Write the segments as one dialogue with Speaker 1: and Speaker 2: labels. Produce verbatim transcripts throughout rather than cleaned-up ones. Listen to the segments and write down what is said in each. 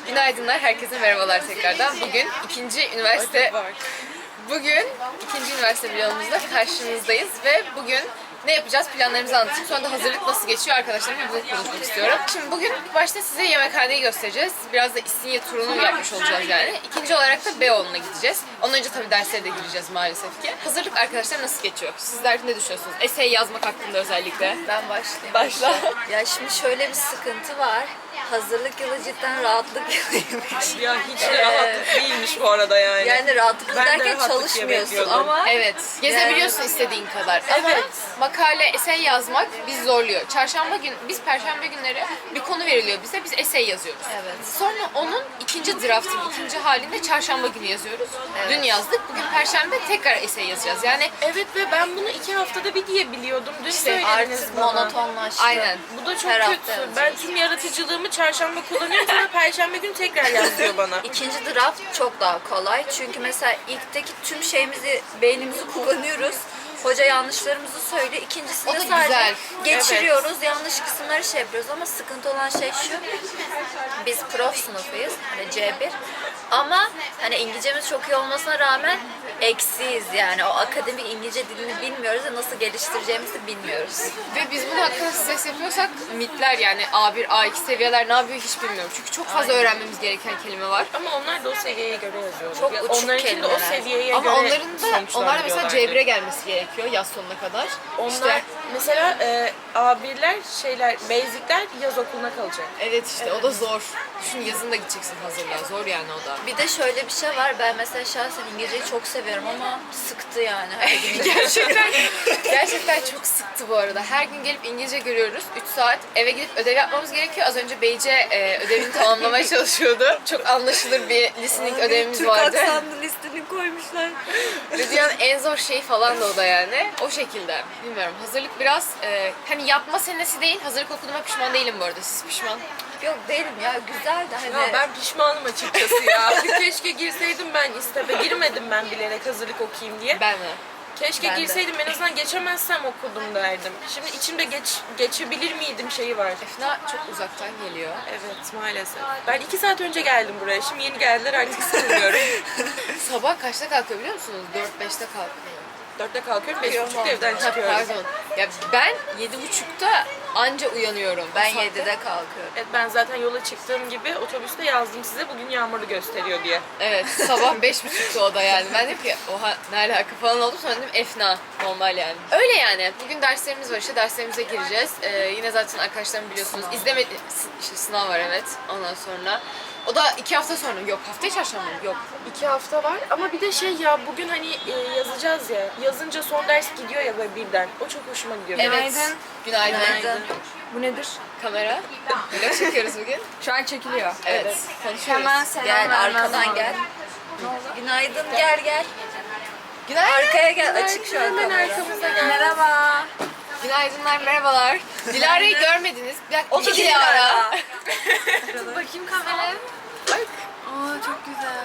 Speaker 1: Günaydınlar, herkese merhabalar tekrardan. Bugün ikinci üniversite Bugün ikinci üniversite vlogumuzda karşınızdayız ve bugün ne yapacağız, planlarımızı anlatayım. Sonra da hazırlık nasıl geçiyor arkadaşlarımla bunu konuşmak istiyorum. Şimdi bugün başta size yemekhaneyi göstereceğiz. Biraz da İstinye turunu yapmış olacağız yani. İkinci olarak da Beyoğlu'na gideceğiz. Ondan önce tabii derslere de gireceğiz maalesef ki. Hazırlık arkadaşlar nasıl geçiyor? Sizler ne düşünüyorsunuz? Essay yazmak hakkında özellikle.
Speaker 2: Ben başlayayım.
Speaker 1: Başla.
Speaker 2: Ya şimdi şöyle bir sıkıntı var. Hazırlık yılı cidden rahatlık yılıymış.
Speaker 3: Ya hiç de rahatlık değilmiş bu arada yani.
Speaker 2: Yani rahatlık
Speaker 3: Ben de
Speaker 2: derken
Speaker 3: rahatlık diye
Speaker 2: çalışmıyorsun
Speaker 3: bekliyordum.
Speaker 2: ama
Speaker 1: Evet, gezebiliyorsun istediğin kadar. Ama
Speaker 3: Evet.
Speaker 1: makale, essay yazmak bizi zorluyor. Çarşamba gün, biz perşembe günleri bir konu veriliyor bize, biz essay yazıyoruz.
Speaker 2: Evet.
Speaker 1: Sonra onun ikinci draftını, ikinci halinde çarşamba günü yazıyoruz. Dün yazdık, bugün perşembe tekrar essay yazacağız. Yani
Speaker 3: Evet ve ben bunu iki haftada bir diye biliyordum. Dün
Speaker 1: İşte
Speaker 3: söylediniz
Speaker 2: artık
Speaker 3: bana.
Speaker 2: monotonlaştı.
Speaker 1: aynen.
Speaker 3: Bu da çok
Speaker 2: Her hafta
Speaker 3: kötü.
Speaker 2: yazacağız.
Speaker 3: Ben tüm yaratıcılığımı çarşamba kullanıyorum sonra perşembe günü tekrar yazıyor bana.
Speaker 2: İkinci draft çok daha kolay. Çünkü mesela ilkteki tüm şeyimizi, beynimizi kullanıyoruz. Hoca yanlışlarımızı söylüyor. İkincisinde
Speaker 1: O da
Speaker 2: sadece
Speaker 1: güzel.
Speaker 2: geçiriyoruz. Yanlış kısımları şey yapıyoruz ama sıkıntı olan şey şu. Biz prof sınıfıyız. Hani C bir. Ama hani İngilizcemiz çok iyi olmasına rağmen eksiyiz yani. O akademik İngilizce dilini bilmiyoruz ve nasıl geliştireceğimizi bilmiyoruz.
Speaker 1: Ve biz bunu hakkında stres yapıyorsak mitler yani A bir, A iki seviyeler ne yapıyor hiç bilmiyorum. Çünkü çok fazla öğrenmemiz gereken kelime var.
Speaker 3: Ama onlar da o seviyeye göre yazıyor.
Speaker 2: Çok
Speaker 3: Ya
Speaker 2: uçuk
Speaker 3: onlarınki de o
Speaker 2: kelimeler.
Speaker 3: seviyeye
Speaker 1: Ama
Speaker 3: göre
Speaker 1: onların da,
Speaker 3: sonuçlar
Speaker 1: onlar da mesela
Speaker 3: veriyorlardı.
Speaker 1: C bire gelmesi gerekiyor yaz sonuna kadar.
Speaker 3: Onlar
Speaker 1: İşte
Speaker 3: mesela e, A birler şeyler, basicler yaz okuluna kalacak.
Speaker 1: evet işte o da zor. Düşün yazın da gideceksin hazırlığa. Zor yani o da.
Speaker 2: Bir de şöyle bir şey var. Ben mesela şahsen İngilizceyi çok seviyorum ama sıktı yani. Her gün.
Speaker 1: Gerçekten gerçekten çok sıktı bu arada. Her gün gelip İngilizce görüyoruz. üç saat eve gidip ödev yapmamız gerekiyor. Az önce Beyce e, ödevini tamamlamaya çalışıyordu. Çok anlaşılır bir listening ödevimiz
Speaker 2: Türk
Speaker 1: vardı.
Speaker 2: aksanlı listeni koymuşlar.
Speaker 1: Ve dünyanın en zor şeyi falan da o da yani. O şekilde. Bilmiyorum. Hazırlık biraz e, hani yapma senesi değil. Hazırlık okuduğuma pişman değilim bu arada. Siz pişman.
Speaker 2: Yok değilim ya, güzel de hani.
Speaker 3: Ya ben pişmanım açıkçası ya. Keşke girseydim ben istebe. Girmedim ben bilerek hazırlık okuyayım diye.
Speaker 1: Ben mi?
Speaker 3: Keşke
Speaker 2: Ben de.
Speaker 3: girseydim en azından geçemezsem okudum derdim. Şimdi içimde geç geçebilir miydim şeyi var.
Speaker 1: Efna çok uzaktan geliyor.
Speaker 3: Evet maalesef. Ben iki saat önce geldim buraya. Şimdi yeni geldiler artık sıkılmıyorum.
Speaker 1: Sabah kaçta kalkıyor biliyor musunuz? dört beşte kalkıyor.
Speaker 3: Dörtte kalkıyorum, beş buçukta evden
Speaker 1: Ha,
Speaker 3: çıkıyorum.
Speaker 1: pardon. Ya ben yedi buçukta anca uyanıyorum.
Speaker 2: Ben
Speaker 1: Bu saatte-
Speaker 2: yedide kalkıyorum.
Speaker 3: Evet ben zaten yola çıktığım gibi otobüste yazdım size bugün yağmurlu gösteriyor diye.
Speaker 1: Evet, sabah beş buçukta o da yani. Ben dedim ki oha ne alaka falan oldu, sonra dedim efna, normal yani. Öyle yani. Bugün derslerimiz var, işte derslerimize gireceğiz. Ee, yine zaten arkadaşlarım biliyorsunuz. İzlemedi, işte sınav var evet ondan sonra. O da iki hafta sonra. Yok, haftaya çarşamba mı? Yok.
Speaker 3: İki hafta var ama bir de şey ya bugün hani e, yazacağız ya. Yazınca son ders gidiyor ya böyle birden. O çok hoşuma gidiyor.
Speaker 1: Evet.
Speaker 4: Günaydın.
Speaker 1: Günaydın.
Speaker 2: Günaydın.
Speaker 4: Bu nedir?
Speaker 1: Kamera. Vlog çekiyoruz bugün.
Speaker 4: Şu an çekiliyor.
Speaker 1: Evet. Konuşuyoruz.
Speaker 4: Hemen selam
Speaker 2: Gel
Speaker 4: vermem
Speaker 2: arkadan
Speaker 4: lazım.
Speaker 2: gel. Günaydın, gel gel.
Speaker 1: Günaydın.
Speaker 2: Arkaya gel, açık şu an
Speaker 3: Hemen
Speaker 2: kamera.
Speaker 3: arkamızda gel.
Speaker 4: Merhaba.
Speaker 1: Günaydınlar, merhabalar. Dilara'yı görmediniz. Bir dakika.
Speaker 2: Otur
Speaker 1: iki Dilara.
Speaker 2: Dilara.
Speaker 4: Bakayım kameraya.
Speaker 1: Bak.
Speaker 4: Aa çok güzel.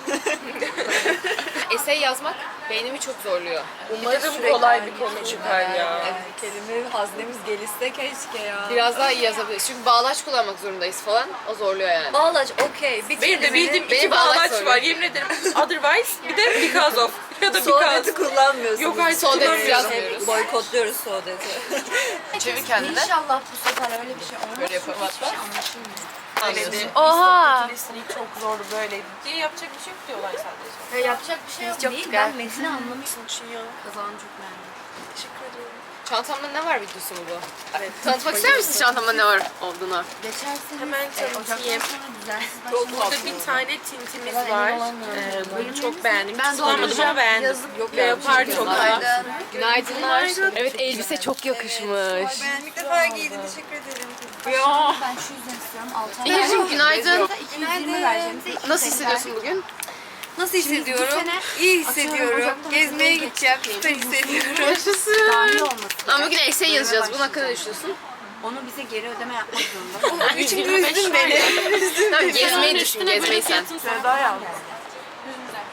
Speaker 1: Essay yazmak beynimi çok zorluyor.
Speaker 3: Umarım
Speaker 2: Sürekli
Speaker 3: kolay
Speaker 2: aynı
Speaker 3: bir konu
Speaker 2: kelime.
Speaker 3: çıkar ya.
Speaker 2: Evet, kelime haznemiz gelişse keşke ya.
Speaker 1: Biraz daha iyi yazabiliriz. Çünkü bağlaç kullanmak zorundayız falan. O zorluyor yani.
Speaker 2: Bağlaç okey. Bir
Speaker 3: Benim de
Speaker 2: kelimenin
Speaker 3: bildiğim
Speaker 1: Beni
Speaker 3: iki
Speaker 1: bağlaç
Speaker 3: bağlaç
Speaker 1: soruyor.
Speaker 3: var yemin ederim. Otherwise bir de because of ya da
Speaker 2: Sohbeti
Speaker 3: because.
Speaker 2: kullanmıyorsunuz.
Speaker 3: Yok, hayır,
Speaker 1: Sohbet
Speaker 3: kullanmıyorum.
Speaker 1: yazmıyoruz.
Speaker 2: Boykotluyoruz sohbeti.
Speaker 1: Çevir kendini.
Speaker 4: İnşallah bu sefer öyle bir şey olmaz.
Speaker 1: Böyle yapalım hatta.
Speaker 3: Öyleydi.
Speaker 4: Oha.
Speaker 3: Listening çok zordu böyle diye yapacak bir şey yok diyorlar sadece.
Speaker 4: Ya yapacak bir şey yok. Değil. Ben metni anlamışım.
Speaker 3: Düşünüyor.
Speaker 4: Kazan çok beğendim.
Speaker 3: Teşekkür ederim.
Speaker 1: Çantamda ne var videosu mu bu? Evet. Tanıtmak ister misiniz çantamda ne var olduğunu?
Speaker 4: Geçerseniz
Speaker 3: Hemen
Speaker 4: e,
Speaker 3: tanıtayım.
Speaker 4: Ocaktan sonra düzensiz
Speaker 1: Çok
Speaker 4: başlamak.
Speaker 3: Burada
Speaker 1: tatlı.
Speaker 3: bir tane tintimiz
Speaker 4: Ben
Speaker 3: var.
Speaker 4: emin olamıyorum
Speaker 3: Ee,
Speaker 4: bundan.
Speaker 3: bunu çok beğendim.
Speaker 4: Ben
Speaker 3: Hiç kullanmadım
Speaker 4: doğrayacağım.
Speaker 3: ama beğendim.
Speaker 4: Yazıp
Speaker 1: Yok
Speaker 3: Leopar çok
Speaker 1: Günaydın.
Speaker 3: güzel.
Speaker 1: Günaydınlar. Evet elbise çok yakışmış.
Speaker 2: Ben ilk defa giydim, teşekkür ederim.
Speaker 1: Ya.
Speaker 4: Ben şu yüzden istiyorum. Altı
Speaker 1: İlgicim günaydın.
Speaker 4: iki yüz yirmi vereceğimize iki
Speaker 1: Nasıl
Speaker 4: yüz
Speaker 1: hissediyorsun bugün?
Speaker 2: Nasıl hissediyorum?
Speaker 4: sene
Speaker 2: İyi
Speaker 4: atıyorum,
Speaker 2: hissediyorum.
Speaker 4: Ocak'tan
Speaker 2: Gezmeye
Speaker 4: Ocak'a
Speaker 2: gideceğim,
Speaker 4: geçecek.
Speaker 2: süper hissediyorum.
Speaker 4: Dahil
Speaker 1: Yaşasın.
Speaker 4: olması.
Speaker 1: Ama bugün essay yazacağız. Bunun hakkında ne düşünüyorsun?
Speaker 4: Onu bize geri ödeme yapmak zorunda.
Speaker 2: İçimde üzdün beni.
Speaker 1: Tamam gezmeyi düşün, gezmeyi sen.
Speaker 4: Sevda yazdı.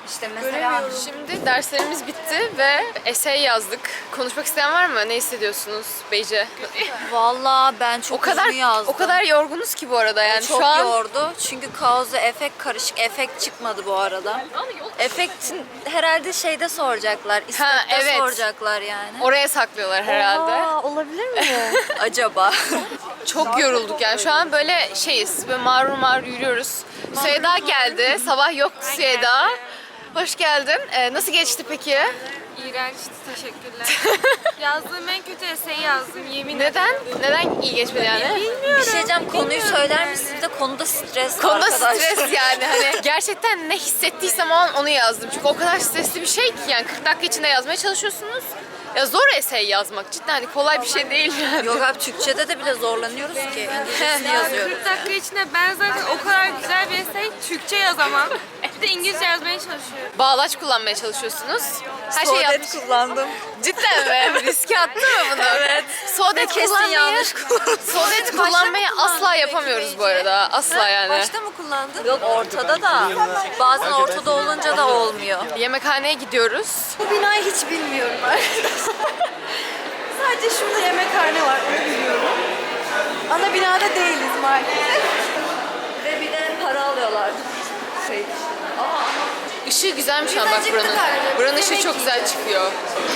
Speaker 4: İşte mesela
Speaker 1: Şimdi derslerimiz bitti ve essay yazdık. Konuşmak isteyen var mı? Ne hissediyorsunuz Beyce?
Speaker 2: Valla ben çok
Speaker 1: O kadar
Speaker 2: uzun yazdım.
Speaker 1: o kadar yorgunuz ki bu arada yani
Speaker 2: çok
Speaker 1: şu an.
Speaker 2: yordu. Çünkü kaosu efekt karışık. Efekt çıkmadı bu arada. Efektin herhalde şeyde soracaklar. İstekte
Speaker 1: evet.
Speaker 2: soracaklar yani.
Speaker 1: Oraya saklıyorlar herhalde.
Speaker 2: Aa, olabilir mi? Acaba?
Speaker 1: Çok yorulduk yani şu an böyle şeyiz. Böyle mağrur mağrur yürüyoruz. Süheyda geldi. Sabah yoktu Süheyda. Hoş geldin. Ee, nasıl geçti peki?
Speaker 5: İğrençti, teşekkürler. Yazdığım en kötü eseyi yazdım, yemin ederim.
Speaker 1: Neden? Neden iyi geçmedi yani?
Speaker 2: Bir şey diyeceğim, konuyu söyler misiniz de konuda stres
Speaker 1: Konuda
Speaker 2: arkadaşlar.
Speaker 1: stres yani hani gerçekten ne hissettiysem o an onu yazdım. Çünkü o kadar stresli bir şey ki yani kırk dakika içinde yazmaya çalışıyorsunuz. Ya zor essay yazmak cidden hani kolay bir şey değil yani.
Speaker 2: Yok abi, Türkçe'de de bile zorlanıyoruz ki. İngilizcesini yazıyoruz.
Speaker 5: kırk dakika içinde ben zaten o kadar güzel bir esey Türkçe yazamam. Bir de İngilizce yazmaya çalışıyorum.
Speaker 1: Bağlaç kullanmaya çalışıyorsunuz. Her şeyi yapmış.
Speaker 2: Soğudet kullandım.
Speaker 1: Cidden mi? Riske attı mı bunu? Evet. Soğudet
Speaker 2: Kesin
Speaker 1: kullanmayı,
Speaker 2: yanlış kullandım.
Speaker 1: Soğudet kullanmayı asla yapamıyoruz bu arada. Asla yani.
Speaker 5: Başta mı kullandın?
Speaker 2: Yok, ortada da. Bazen ortada olunca da olmuyor.
Speaker 1: Yemekhaneye gidiyoruz.
Speaker 6: Bu binayı hiç bilmiyorum arkadaşlar. Sadece şurada yemekhane var, onu biliyorum. Ana binada değiliz maalesef.
Speaker 2: Ve bir de para alıyorlar. Şey. Ama
Speaker 1: Işığı güzelmiş ama bak buranın. Buranın ışığı çok güzel çıkıyor.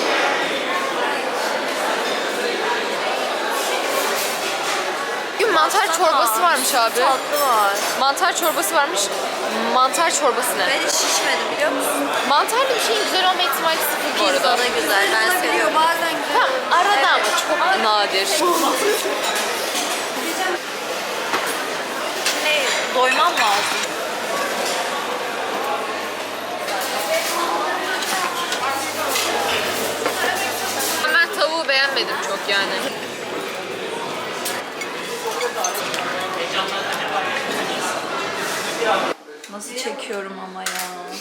Speaker 1: Bugün mantar çorbası varmış abi.
Speaker 2: tatlı var.
Speaker 1: Mantar çorbası varmış. Mantar çorbası ne?
Speaker 2: Ben hiç şişmedim, biliyor musun?
Speaker 1: Mantarlı bir şeyin güzel olma ihtimali sıfır bu arada.
Speaker 2: Pizza da güzel, ben seviyorum.
Speaker 6: Biliyor bazen güzel.
Speaker 1: Tam arada ama çok nadir.
Speaker 2: Ne, doymam lazım.
Speaker 1: Ben tavuğu beğenmedim çok yani.
Speaker 2: Nasıl çekiyorum ama ya.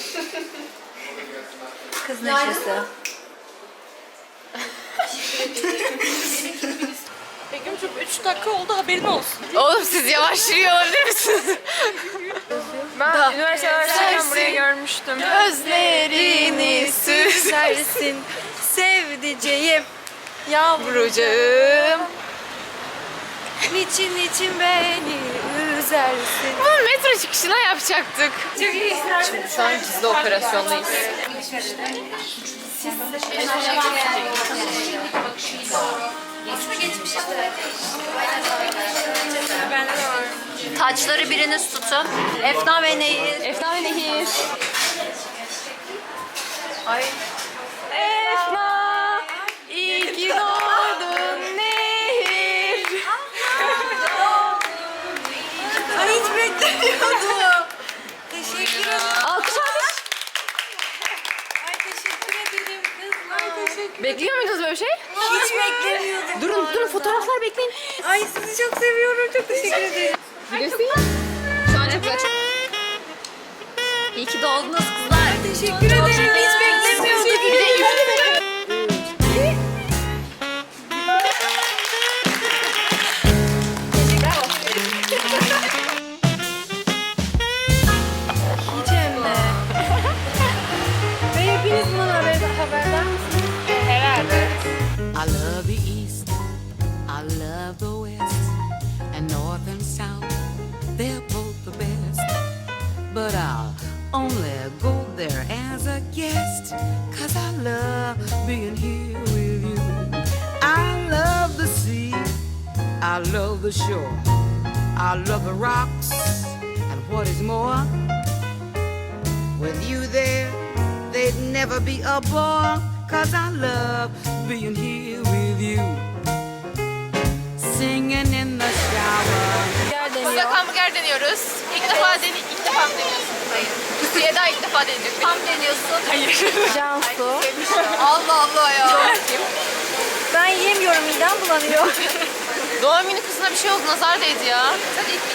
Speaker 2: Kız neşesi.
Speaker 3: Begüm'cüm üç dakika oldu, haberin olsun.
Speaker 1: Oğlum siz yavaş yürüyor olabilir misiniz?
Speaker 5: Ben üniversite öğrenciyken burayı görmüştüm.
Speaker 1: Gözlerini süzersin
Speaker 6: Sevdiceğim,
Speaker 1: yavrucağım.
Speaker 6: niçin niçin beni üzersin.
Speaker 1: Bunu metro çıkışına yapacaktık. Şimdi şu an gizli operasyondayız.
Speaker 2: Taçları biriniz tutun. Efna ve Nehir.
Speaker 1: Efna ve Nehir.
Speaker 2: Ay.
Speaker 1: Efna, iyi ki doğdun Nehir.
Speaker 6: Ay hiç beklemiyordum. Teşekkür ederim.
Speaker 1: Alkış alkış.
Speaker 6: Ay teşekkür ederim kızlar. Ay teşekkür
Speaker 1: Bekliyor muydunuz böyle bir şey?
Speaker 6: Hiç beklemiyordum.
Speaker 1: Durun durun fotoğraflar bekleyin.
Speaker 6: Ay sizi çok seviyorum. Çok teşekkür ederim.
Speaker 1: Bilirsin. Şu an çok güzel. Çok...
Speaker 2: İyi ki doğdunuz kızlar.
Speaker 6: Teşekkür ederim. Hiç beklemiyordum.
Speaker 1: Bir de üfle.
Speaker 6: Hiç hem de. Ve hepiniz bundan haber, haberdar mısınız?
Speaker 7: I love the East, I love the West, and North and South, they're both the best. But I'll only go there as a guest, cause I love being here with you. I love the sea, I love the shore, I love the rocks, and what is more, with you there, they'd never be a bore, cause I love being here with you. Singing in the shower.
Speaker 1: Sıcak hamburger deniyoruz. İlk defa deni ilk defa mı deniyorsun? Hayır. Süheyda ilk defa deneyecek.
Speaker 2: Tam deniyorsun.
Speaker 1: Hayır.
Speaker 6: Cansu.
Speaker 1: Allah Allah ya.
Speaker 6: Ben yiyemiyorum, midem bulanıyor.
Speaker 1: Doğum günü kızına bir şey oldu. Nazar değdi ya. Hadi ilk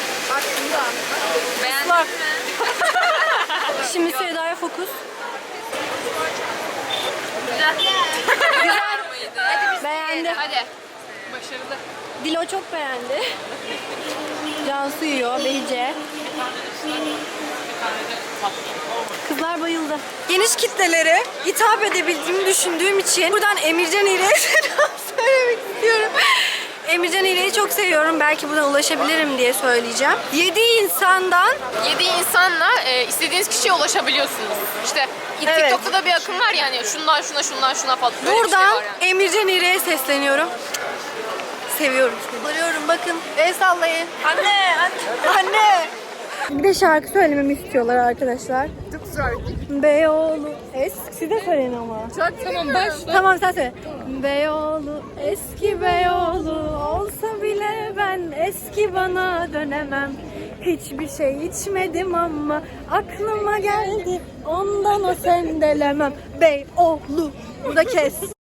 Speaker 6: Beğendin Şimdi Sevda'ya fokus. Beğendi.
Speaker 1: Hadi.
Speaker 6: Dilo çok beğendi. Cansu yiyor, Behice. Kızlar bayıldı. Geniş kitlelere hitap edebildiğimi düşündüğüm için buradan Emircan İğrek'e selam söylemek istiyorum. Emircan İğrek'i çok seviyorum. Belki buna ulaşabilirim diye söyleyeceğim. Yedi insandan
Speaker 1: Yedi insanla e, istediğiniz kişiye ulaşabiliyorsunuz. İşte
Speaker 6: Evet.
Speaker 1: TikTok'ta da bir akım var yani şundan şuna şundan şuna falan. Böyle bir şey
Speaker 6: buradan
Speaker 1: var yani.
Speaker 6: Emircan İğrek'e sesleniyorum. Seviyorum. Görüyorum bakın. El sallayın. Anne, anne. Anne. Bir de şarkı söylememi istiyorlar arkadaşlar. Beyoğlu eski de söyleyin ama.
Speaker 1: Tamam başla.
Speaker 6: Tamam sen söyle. Beyoğlu eski Beyoğlu olsa bile ben eski bana dönemem. Hiçbir şey içmedim ama aklıma geldi ondan o sendelemem. Beyoğlu. Burada kes.